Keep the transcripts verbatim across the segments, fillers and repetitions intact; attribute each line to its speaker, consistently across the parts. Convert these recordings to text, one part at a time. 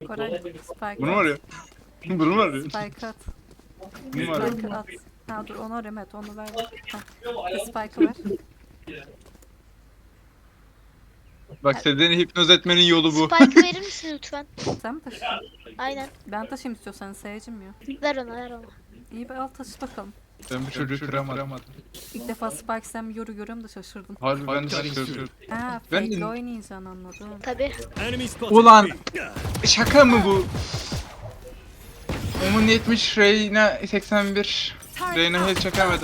Speaker 1: Koray spike
Speaker 2: Bunu mu arıyor? Bunu mu arıyor?
Speaker 1: Spike at.
Speaker 2: Bunu mu arıyor?
Speaker 1: Spike at. Ha dur onu arayayım, evet onu ver. Ha. Spike'ı ver.
Speaker 2: Bak Seden'i hipnoz etmenin yolu bu.
Speaker 3: Spike'ı verir misin lütfen?
Speaker 1: Sen mi taşıyacaksın?
Speaker 3: Aynen.
Speaker 1: Ben taşıyayım istiyorsan, seyircim ya.
Speaker 3: Ver ona ver ona.
Speaker 1: İyi be, al taşı bakalım.
Speaker 2: Ben bu çocuğu kıramadım.
Speaker 1: İlk defa Spike sen bir yoru görüyorum da şaşırdım.
Speaker 2: Harbi ben de şaşırıyorum.
Speaker 1: Ha
Speaker 2: Ben
Speaker 1: fake'le
Speaker 2: de-
Speaker 1: oynayacaksın, anladım.
Speaker 3: Tabi.
Speaker 2: Ulan şaka mı bu? Omun yetmiş, Reyna seksen bir. Reyna hiç çakamadı.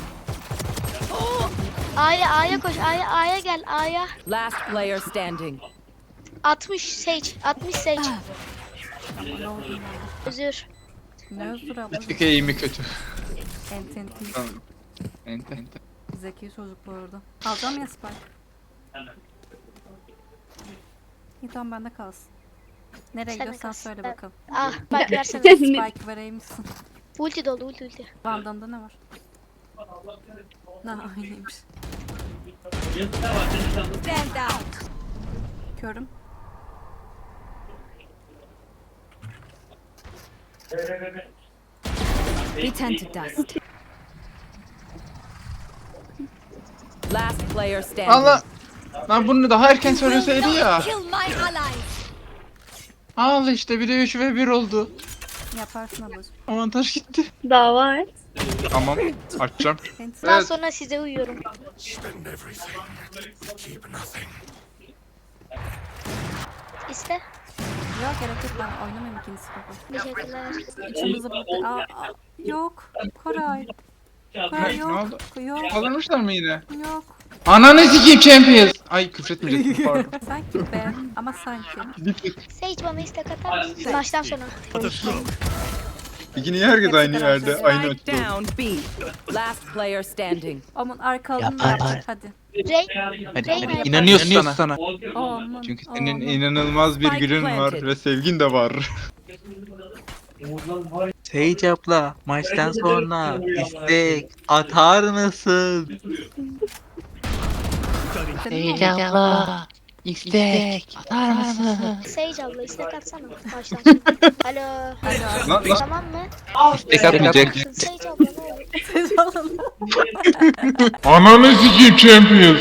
Speaker 3: A'ya A'ya koş. A'ya A'ya gel. A'ya.
Speaker 4: Last player standing.
Speaker 3: altmış Sage. altmış Sage.
Speaker 1: Ne oldu ya?
Speaker 3: Özür.
Speaker 1: Ne özür abla.
Speaker 2: Bir tek eğimi kötü.
Speaker 1: Ent ent
Speaker 2: Tamam. Ente ente.
Speaker 1: Zeki çocuk bu arada. Alacağım ya Spike. İyi tamam, bende kalsın. Nereye
Speaker 3: Sen de
Speaker 1: gidiyorsan
Speaker 3: kalsın.
Speaker 1: söyle
Speaker 3: Ben-
Speaker 1: bakalım.
Speaker 3: Ah bak versene.
Speaker 1: Spike vereyim misin?
Speaker 3: Ulti doldu ulti ulti.
Speaker 1: Vandam'da ne var? Ne aynıymış.
Speaker 4: Stand out.
Speaker 1: Körüm.
Speaker 4: Return to dust. Last player standing.
Speaker 2: Allah! Lan bunu daha erken söyleseydi ya.
Speaker 4: Kill my allies.
Speaker 2: Al işte bir de üç ve bir oldu.
Speaker 1: Yaparsın ablacığım.
Speaker 2: Avantaj gitti.
Speaker 5: Daha var.
Speaker 2: Tamam. Açacağım.
Speaker 1: Ent
Speaker 3: Daha
Speaker 2: Evet.
Speaker 3: sonra size uyuyorum. İste.
Speaker 1: Yok, gerek yok, ben oynamayayım ikincisi baba.
Speaker 3: Teşekkürler.
Speaker 1: İçimizi burada... Aa, aa, yok. Koray. Koray
Speaker 2: Ne,
Speaker 1: yok.
Speaker 2: ne oldu?
Speaker 1: Yok.
Speaker 2: Kazanmışlar mı yine?
Speaker 1: Yok.
Speaker 2: Ananı sikeyim Champions. Ay küfretmeyecektim pardon.
Speaker 1: Sanki be. Ama sanki.
Speaker 3: Sage bana istek atar mısın? Maçtan sonra.
Speaker 2: İki niye herkes aynı yerde? Aynı
Speaker 4: Spike
Speaker 2: açıda.
Speaker 4: down B. Last player standing.
Speaker 1: Aman arkalığını
Speaker 6: Yapar.
Speaker 1: yap. Hadi.
Speaker 3: Rey.
Speaker 2: Hadi,
Speaker 3: Reyna
Speaker 2: hadi.
Speaker 3: yapar.
Speaker 2: İnanıyoruz sana.
Speaker 1: Aman.
Speaker 2: Çünkü senin
Speaker 1: aman.
Speaker 2: inanılmaz bir
Speaker 4: Spike
Speaker 2: gülün var
Speaker 4: planted.
Speaker 2: ve sevgin de var.
Speaker 6: Sage abla maçtan sonra istek atar mısın?
Speaker 1: Senin mi
Speaker 6: Sage
Speaker 1: oldu?
Speaker 6: abla istek atar mısın?
Speaker 3: Sage abla istek atsana. Maçtan sonra. Alo.
Speaker 1: Hadi
Speaker 2: Lan lan
Speaker 3: Tamam mı?
Speaker 6: İstek atmayacak.
Speaker 3: Sage abla ne olur?
Speaker 1: abi.
Speaker 2: Ananı sikeyim Champions.